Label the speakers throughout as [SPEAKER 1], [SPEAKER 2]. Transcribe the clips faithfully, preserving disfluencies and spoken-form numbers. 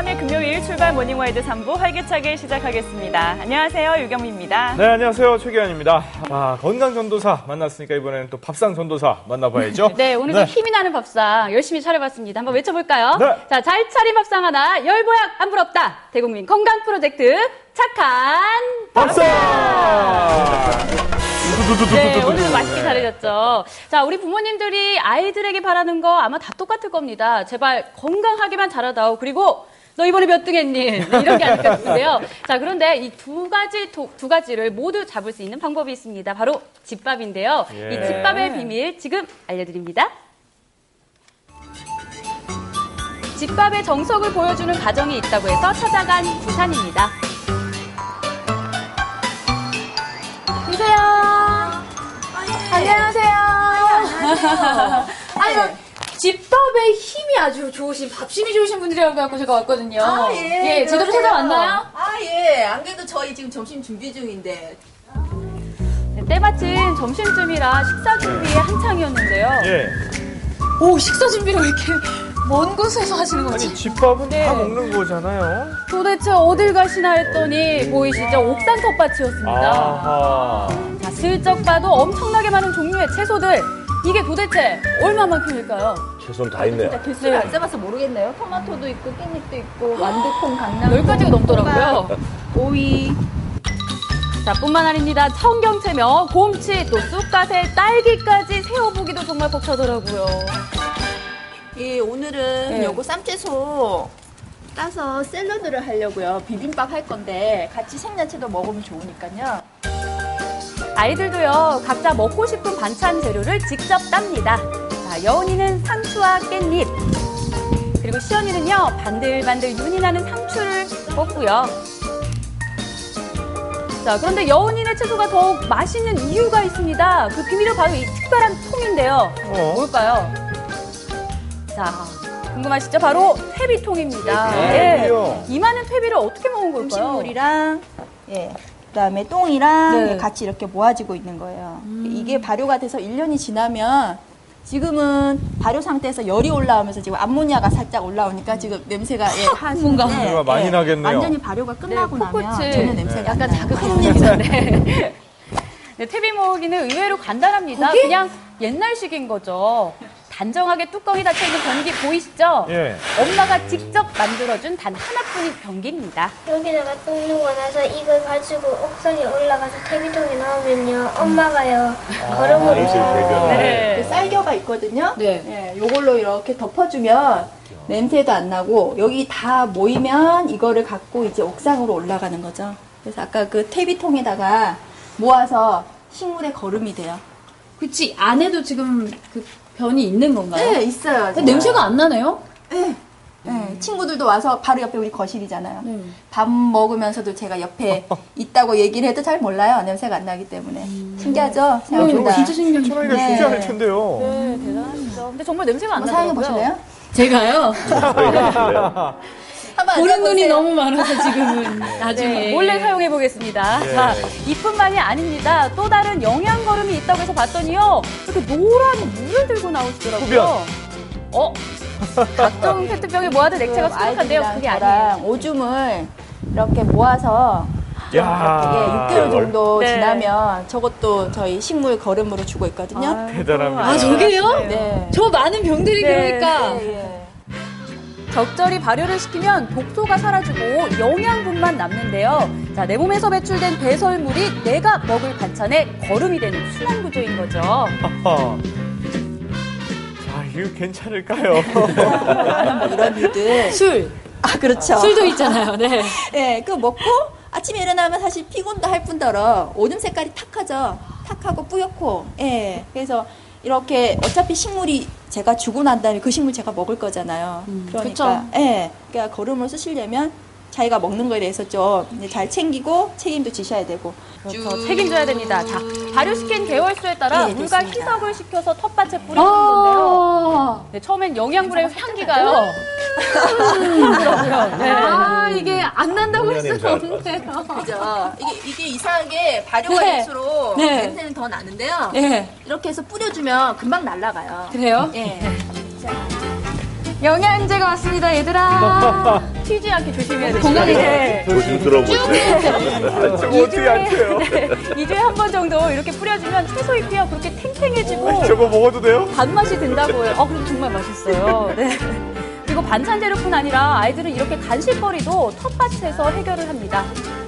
[SPEAKER 1] 함께 금요일 출발 모닝와이드 삼 부 활기차게 시작하겠습니다. 안녕하세요, 유경미입니다.
[SPEAKER 2] 네, 안녕하세요, 최기환입니다. 아, 건강 전도사 만났으니까 이번에는 또 밥상 전도사 만나봐야죠.
[SPEAKER 3] 네, 오늘 좀 네. 힘이 나는 밥상 열심히 차려봤습니다. 한번 외쳐볼까요?
[SPEAKER 2] 네.
[SPEAKER 3] 자, 잘 차린 밥상 하나, 열보약 안 부럽다. 대국민 건강 프로젝트 착한 밥상! 네, 오늘도 맛있게 차려졌죠. 자, 우리 부모님들이 아이들에게 바라는 거 아마 다 똑같을 겁니다. 제발 건강하게만 자라다오. 그리고 너 이번에 몇 등 했니? 이런 게 아닐까 싶은데요. 자, 그런데 이 두 가지, 도, 두 가지를 모두 잡을 수 있는 방법이 있습니다. 바로 집밥인데요.
[SPEAKER 2] 예.
[SPEAKER 3] 이 집밥의 비밀 지금 알려드립니다. 집밥의 정석을 보여주는 가정이 있다고 해서 찾아간 부산입니다. 주세요.
[SPEAKER 4] 안녕하세요. 안녕하세요. 아유, 집밥의 힘이 아주 좋으신, 밥심이 좋으신 분들이라고 해서 제가 왔거든요.
[SPEAKER 5] 아, 예.
[SPEAKER 4] 예, 제대로 찾아왔나요?
[SPEAKER 5] 아, 예. 안 그래도 저희 지금 점심 준비 중인데.
[SPEAKER 3] 네, 때마침 점심쯤이라 식사 준비에 한창이었는데요.
[SPEAKER 2] 예.
[SPEAKER 4] 오, 식사 준비를 왜 이렇게 먼 곳에서 하시는 거지?
[SPEAKER 2] 아니, 집밥은
[SPEAKER 3] 네.
[SPEAKER 2] 다 먹는 거잖아요.
[SPEAKER 3] 도대체 어딜 가시나 했더니 보이시죠? 옥산 텃밭이었습니다.
[SPEAKER 2] 아하.
[SPEAKER 3] 자, 슬쩍 봐도 엄청나게 많은 종류의 채소들. 이게 도대체 얼마만큼일까요?
[SPEAKER 6] 채소는 다 있네요.
[SPEAKER 5] 진짜 개수를 안 잡아서 모르겠네요. 토마토도 있고, 깻잎도 있고, 완두콩, 강낭콩,
[SPEAKER 3] 열 가지가 넘더라고요.
[SPEAKER 5] 오이.
[SPEAKER 3] 자, 뿐만 아닙니다. 청경채며 곰치, 또 쑥갓에 딸기까지 세어보기도 정말 벅차더라고요.
[SPEAKER 5] 예, 오늘은
[SPEAKER 3] 네.
[SPEAKER 5] 요거 쌈채소 따서 샐러드를 하려고요. 비빔밥 할 건데 같이 생야채도 먹으면 좋으니까요.
[SPEAKER 3] 아이들도요, 각자 먹고 싶은 반찬 재료를 직접 땁니다. 자, 여운이는 상추와 깻잎, 그리고 시연이는요, 반들반들 윤이 나는 상추를 먹고요. 자, 그런데 여운이네 채소가 더욱 맛있는 이유가 있습니다. 그 비밀은 바로 이 특별한 통인데요.
[SPEAKER 2] 어?
[SPEAKER 3] 뭘까요? 자, 궁금하시죠? 바로 퇴비통입니다.
[SPEAKER 2] 네,
[SPEAKER 3] 예.
[SPEAKER 2] 퇴비요.
[SPEAKER 3] 이 많은 퇴비를 어떻게 먹은 걸까요?
[SPEAKER 5] 음식물이랑, 예. 그다음에 똥이랑
[SPEAKER 3] 네.
[SPEAKER 5] 같이 이렇게 모아지고 있는 거예요. 이게 발효가 돼서 일 년이 지나면 지금은 발효 상태에서 열이 올라오면서 지금 암모니아가 살짝 올라오니까 지금 냄새가 예,
[SPEAKER 3] 뭔가
[SPEAKER 5] 하시는데,
[SPEAKER 2] 냄새가 많이
[SPEAKER 5] 예,
[SPEAKER 2] 나겠네요.
[SPEAKER 5] 완전히 발효가 끝나고
[SPEAKER 3] 네,
[SPEAKER 5] 나면
[SPEAKER 3] 코코치.
[SPEAKER 5] 전혀 냄새가
[SPEAKER 3] 약간
[SPEAKER 5] 안 나요.
[SPEAKER 3] 자극하는 냄새인데. 네, 퇴비 모으기는 의외로 간단합니다.
[SPEAKER 4] 거기?
[SPEAKER 3] 그냥 옛날식인 거죠. 단정하게 뚜껑이 닫혀있는 변기 보이시죠?
[SPEAKER 2] 예.
[SPEAKER 3] 엄마가 직접 만들어준 단 하나뿐인 변기입니다.
[SPEAKER 7] 여기다가 똥 누고 나서 이걸 가지고 옥상에 올라가서 퇴비통에 넣으면요 엄마가요 걸음으로
[SPEAKER 3] 네.
[SPEAKER 5] 그 쌀겨가 있거든요.
[SPEAKER 4] 네.
[SPEAKER 5] 예, 요걸로 이렇게 덮어주면 냄새도 안 나고 여기 다 모이면 이거를 갖고 이제 옥상으로 올라가는 거죠. 그래서 아까 그 퇴비통에다가 모아서 식물의 거름이 돼요.
[SPEAKER 4] 그치, 안에도 지금 그 변이 있는 건가요?
[SPEAKER 5] 네, 있어요.
[SPEAKER 4] 근데 냄새가 안 나네요?
[SPEAKER 5] 네. 네, 친구들도 와서 바로 옆에 우리 거실이잖아요.
[SPEAKER 4] 네.
[SPEAKER 5] 밥 먹으면서도 제가 옆에 있다고 얘기를 해도 잘 몰라요. 냄새가 안 나기 때문에. 신기하죠?
[SPEAKER 4] 어,
[SPEAKER 5] 생각보다.
[SPEAKER 4] 진짜 신기한
[SPEAKER 2] 천하기가
[SPEAKER 5] 네.
[SPEAKER 2] 쉽지 않을 텐데요.
[SPEAKER 3] 네, 대단하죠. 근데 정말 냄새가 안
[SPEAKER 5] 한번 사용해
[SPEAKER 3] 나더라고요.
[SPEAKER 5] 보실래요?
[SPEAKER 4] 제가요?
[SPEAKER 5] 한번
[SPEAKER 4] 보는 눈이
[SPEAKER 5] 앉아보세요.
[SPEAKER 4] 너무 많아서 지금은 나중에.
[SPEAKER 3] 네, 몰래 사용해 보겠습니다.
[SPEAKER 2] 예.
[SPEAKER 3] 자, 이뿐만이 아닙니다. 또 다른 영양 거름이 있다고 해서 봤더니요, 이렇게 노란 물을 들고 나오시더라고요.
[SPEAKER 2] 흡연.
[SPEAKER 3] 어? 각종 페트병에 모아둔 액체가
[SPEAKER 5] 지금
[SPEAKER 3] 수북한데요.
[SPEAKER 5] 아이들이랑
[SPEAKER 3] 그게
[SPEAKER 5] 저랑
[SPEAKER 3] 아니에요.
[SPEAKER 5] 오줌을 이렇게 모아서
[SPEAKER 2] 야.
[SPEAKER 5] 예, 육 개월 정도
[SPEAKER 3] 네.
[SPEAKER 5] 지나면 저것도 저희 식물 거름으로 주고 있거든요.
[SPEAKER 2] 대단합니다.
[SPEAKER 4] 아, 저게요?
[SPEAKER 5] 네.
[SPEAKER 4] 저 많은 병들이
[SPEAKER 3] 네,
[SPEAKER 4] 그러니까.
[SPEAKER 5] 예, 예.
[SPEAKER 3] 적절히 발효를 시키면 독소가 사라지고 영양분만 남는데요. 자, 내 몸에서 배출된 배설물이 내가 먹을 반찬에 거름이 되는 순환 구조인 거죠.
[SPEAKER 2] 아하. 자, 이거 괜찮을까요?
[SPEAKER 5] 뭐 이런 일들.
[SPEAKER 4] 술.
[SPEAKER 5] 아, 그렇죠.
[SPEAKER 4] 술도 있잖아요. 네.
[SPEAKER 5] 예, 그거 먹고 아침에 일어나면 사실 피곤도 할 뿐더러 오줌 색깔이 탁하죠. 탁하고 뿌옇고. 예. 그래서 이렇게 어차피 식물이 제가 주고 난 다음에 그 식물 제가 먹을 거잖아요.
[SPEAKER 4] 음,
[SPEAKER 5] 그러니까
[SPEAKER 4] 그쵸.
[SPEAKER 5] 예. 그러니까 거름을 쓰시려면 자기가 먹는 거에 대해서 좀 이제 잘 챙기고 책임도 지셔야 되고.
[SPEAKER 3] 그렇죠. 책임져야 됩니다. 자, 발효시킨 개월수에 따라
[SPEAKER 5] 네,
[SPEAKER 3] 물과
[SPEAKER 5] 됐습니다.
[SPEAKER 3] 희석을 시켜서 텃밭에 뿌리는 건데요.
[SPEAKER 4] 아,
[SPEAKER 3] 네, 처음엔 영양분의 향기가요. 그렇고요. 네.
[SPEAKER 4] 아, 이게 안 난다고 할
[SPEAKER 6] 냄새
[SPEAKER 4] 수는
[SPEAKER 6] 날 것
[SPEAKER 4] 없네요.
[SPEAKER 5] 그죠. 이게, 이게 이상하게 발효가
[SPEAKER 4] 네.
[SPEAKER 5] 될수록
[SPEAKER 4] 네.
[SPEAKER 5] 냄새는 더 나는데요.
[SPEAKER 4] 네.
[SPEAKER 5] 이렇게 해서 뿌려주면 금방 날아가요.
[SPEAKER 4] 그래요?
[SPEAKER 5] 예. 자,
[SPEAKER 3] 영양제가 왔습니다, 얘들아. 튀지 않게 조심해야 돼. 건강해.
[SPEAKER 6] 조심스러워보세요.
[SPEAKER 2] 저거 어떻게 안 돼요?
[SPEAKER 3] 이 주에 한 번 정도 이렇게 뿌려주면 채소 잎이요 그렇게 탱탱해지고
[SPEAKER 2] 저거 먹어도 돼요?
[SPEAKER 3] 단맛이 든다고요. 어, 그럼 정말 맛있어요. 네. 그리고 반찬 재료뿐 아니라 아이들은 이렇게 간식거리도 텃밭에서 해결을 합니다.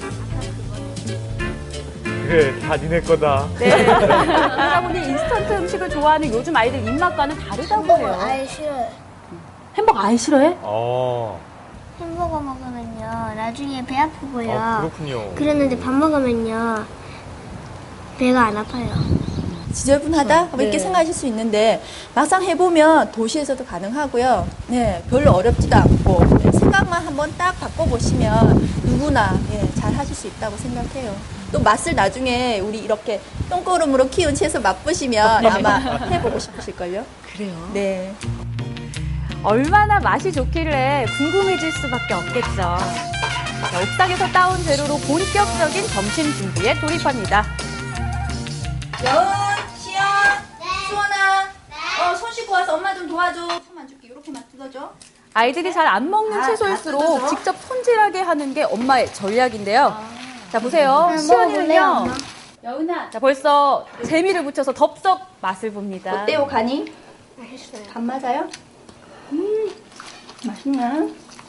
[SPEAKER 2] 그래, 다 니네 거다.
[SPEAKER 3] 네. 그러다 보니 인스턴트 음식을 좋아하는 요즘 아이들 입맛과는 다르다고
[SPEAKER 7] 햄버거
[SPEAKER 3] 해요.
[SPEAKER 7] 아예 싫어요.
[SPEAKER 3] 햄버거 아예 싫어해?
[SPEAKER 2] 어,
[SPEAKER 7] 햄버거 먹으면요 나중에 배 아프고요.
[SPEAKER 2] 어, 그렇군요.
[SPEAKER 7] 그랬는데 밥 먹으면요 배가 안 아파요.
[SPEAKER 5] 지저분하다? 뭐 이렇게
[SPEAKER 3] 네.
[SPEAKER 5] 생각하실 수 있는데 막상 해보면 도시에서도 가능하고요. 네, 별로 어렵지도 않고 네, 생각만 한번 딱 바꿔보시면 누구나 예, 잘 하실 수 있다고 생각해요. 또 맛을 나중에 우리 이렇게 똥거름으로 키운 채소 맛보시면 아마 해보고 싶으실걸요?
[SPEAKER 3] 그래요?
[SPEAKER 5] 네.
[SPEAKER 3] 얼마나 맛이 좋길래 궁금해질 수밖에 없겠죠. 자, 옥상에서 따온 재료로 본격적인 점심 준비에 돌입합니다.
[SPEAKER 5] 여은, 시연, 수원아, 어, 손 씻고 와서 엄마 좀 도와줘. 손만 줄게. 이렇게만 뜯어줘.
[SPEAKER 3] 아이들이 잘 안 먹는
[SPEAKER 5] 아,
[SPEAKER 3] 채소일수록
[SPEAKER 5] 다 뜯어줘?
[SPEAKER 3] 직접 손질하게 하는 게 엄마의 전략인데요. 자, 보세요.
[SPEAKER 7] 먹어볼래요,
[SPEAKER 3] 시연이는요.
[SPEAKER 7] 엄마?
[SPEAKER 5] 여은아,
[SPEAKER 3] 자, 벌써 재미를 붙여서 덥석 맛을 봅니다.
[SPEAKER 5] 어때요, 간이?
[SPEAKER 7] 맛있어요.
[SPEAKER 5] 간 맞아요? 음, 맛있나?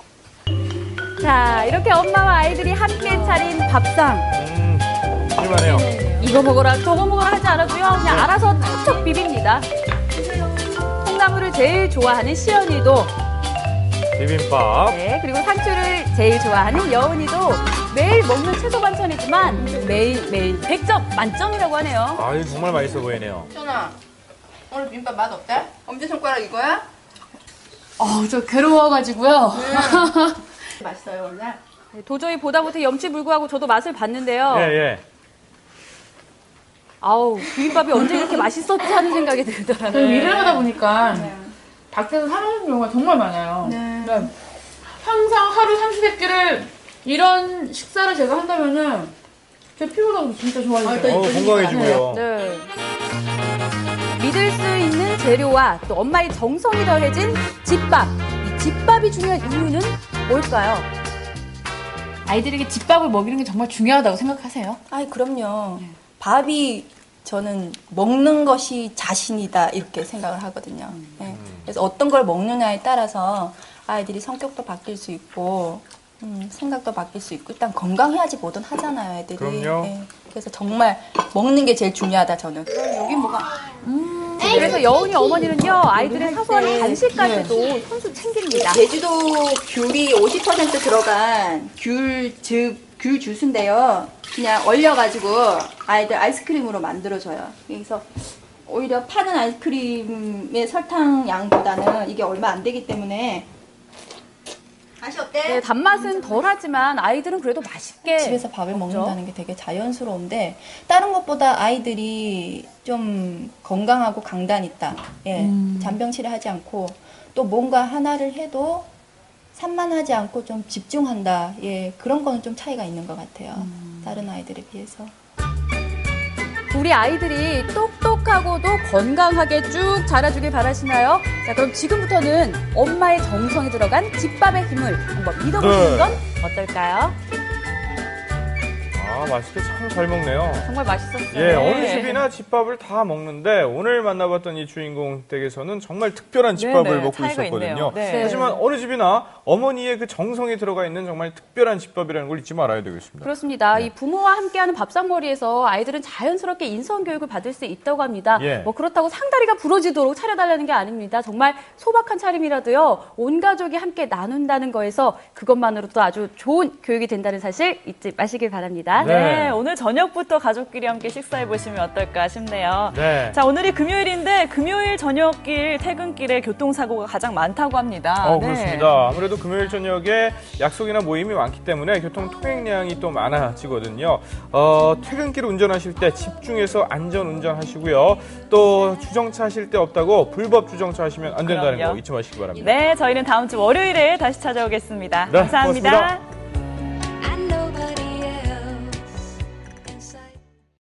[SPEAKER 3] 자, 이렇게 엄마와 아이들이 함께 차린 밥상.
[SPEAKER 2] 음, 실만해요.
[SPEAKER 3] 이거 먹어라, 저거 먹어라 하지 않아도요. 그냥 알아서 척척 비빕니다. 콩나물을 제일 좋아하는 시연이도,
[SPEAKER 2] 비빔밥.
[SPEAKER 3] 네, 그리고 상추를 제일 좋아하는 여은이도 매일 먹는 채소 반찬이지만 매일매일 백 점 만점이라고 하네요.
[SPEAKER 2] 아, 이거 정말 맛있어 보이네요.
[SPEAKER 5] 수원아, 오늘 비빔밥 맛 어때? 엄지손가락 이거야?
[SPEAKER 4] 어, 저 괴로워가지고요.
[SPEAKER 5] 맛있어요, 원래.
[SPEAKER 3] 네, 도저히 보다 못해 염치불구하고 저도 맛을 봤는데요.
[SPEAKER 2] 예, 예.
[SPEAKER 3] 아우, 비빔밥이 언제 이렇게 맛있었지 하는 생각이 들더라고요.
[SPEAKER 4] 일을 하다 보니까 밖에서 사 먹는 경우가 정말 많아요.
[SPEAKER 5] 네.
[SPEAKER 4] 그러니까 항상 하루 삼시세 끼를 이런 식사를 제가 한다면은 제 피부가 진짜 좋아지죠.
[SPEAKER 2] 어, 건강해지고요.
[SPEAKER 3] 네. 믿을 수 있는 재료와 또 엄마의 정성이 더해진 집밥. 이 집밥이 중요한 이유는 뭘까요?
[SPEAKER 4] 아이들에게 집밥을 먹이는 게 정말 중요하다고 생각하세요?
[SPEAKER 5] 아이, 그럼요. 밥이 저는 먹는 것이 자신이다 이렇게 생각을 하거든요. 네. 그래서 어떤 걸 먹느냐에 따라서 아이들이 성격도 바뀔 수 있고 음, 생각도 바뀔 수 있고 일단 건강해야지 뭐든 하잖아요, 애들이.
[SPEAKER 2] 그럼요.
[SPEAKER 5] 네. 그래서 정말 먹는 게 제일 중요하다 저는. 여기 뭐가?
[SPEAKER 3] 그래서 여운이 어머니는요, 아이들의 사소한
[SPEAKER 5] 네.
[SPEAKER 3] 간식까지도 손수 챙깁니다.
[SPEAKER 5] 제주도 귤이 오십 퍼센트 들어간 귤즙, 귤 주스인데요. 그냥 얼려가지고 아이들 아이스크림으로 만들어줘요. 그래서 오히려 파는 아이스크림의 설탕 양보다는 이게 얼마 안 되기 때문에 맛이 어때?
[SPEAKER 3] 네, 단맛은 덜하지만 아이들은 그래도 맛있게
[SPEAKER 5] 집에서 밥을
[SPEAKER 3] 먹죠.
[SPEAKER 5] 먹는다는 게 되게 자연스러운데 다른 것보다 아이들이 좀 건강하고 강단 있다. 예, 잔병치레 하지 않고 또 뭔가 하나를 해도 산만하지 않고 좀 집중한다. 예, 그런 거는 좀 차이가 있는 것 같아요. 다른 아이들에 비해서.
[SPEAKER 3] 우리 아이들이 똑똑하고도 건강하게 쭉 자라주길 바라시나요? 자, 그럼 지금부터는 엄마의 정성이 들어간 집밥의 힘을 한번 믿어보시는
[SPEAKER 2] 네.
[SPEAKER 3] 건 어떨까요?
[SPEAKER 2] 아, 맛있게 참 잘 먹네요.
[SPEAKER 3] 정말 맛있었어요.
[SPEAKER 2] 예, 어느 집이나 집밥을 다 먹는데 오늘 만나봤던 이 주인공 댁에서는 정말 특별한 집밥을
[SPEAKER 1] 네네,
[SPEAKER 2] 먹고
[SPEAKER 1] 차이가
[SPEAKER 2] 있었거든요.
[SPEAKER 1] 있네요. 네.
[SPEAKER 3] 네.
[SPEAKER 2] 하지만 어느 집이나 어머니의 그 정성이 들어가 있는 정말 특별한 집밥이라는 걸 잊지 말아야 되겠습니다.
[SPEAKER 3] 그렇습니다.
[SPEAKER 2] 네.
[SPEAKER 3] 이 부모와 함께하는 밥상머리에서 아이들은 자연스럽게 인성교육을 받을 수 있다고 합니다.
[SPEAKER 2] 예.
[SPEAKER 3] 뭐 그렇다고 상다리가 부러지도록 차려달라는 게 아닙니다. 정말 소박한 차림이라도요, 온 가족이 함께 나눈다는 거에서 그것만으로도 아주 좋은 교육이 된다는 사실 잊지 마시길 바랍니다.
[SPEAKER 2] 네.
[SPEAKER 1] 네, 오늘 저녁부터 가족끼리 함께 식사해 보시면 어떨까 싶네요.
[SPEAKER 2] 네.
[SPEAKER 1] 자, 오늘이 금요일인데 금요일 저녁길 퇴근길에 교통사고가 가장 많다고 합니다.
[SPEAKER 2] 어,
[SPEAKER 1] 네.
[SPEAKER 2] 그렇습니다. 아무래도 금요일 저녁에 약속이나 모임이 많기 때문에 교통 통행량이 또 많아지거든요. 어, 퇴근길 운전하실 때 집중해서 안전 운전하시고요. 또 주정차 하실 때 없다고 불법 주정차 하시면 안 된다는
[SPEAKER 1] 그럼요.
[SPEAKER 2] 거 잊지 마시기 바랍니다.
[SPEAKER 1] 네, 저희는 다음 주 월요일에 다시 찾아오겠습니다.
[SPEAKER 2] 네,
[SPEAKER 1] 감사합니다.
[SPEAKER 2] 고맙습니다.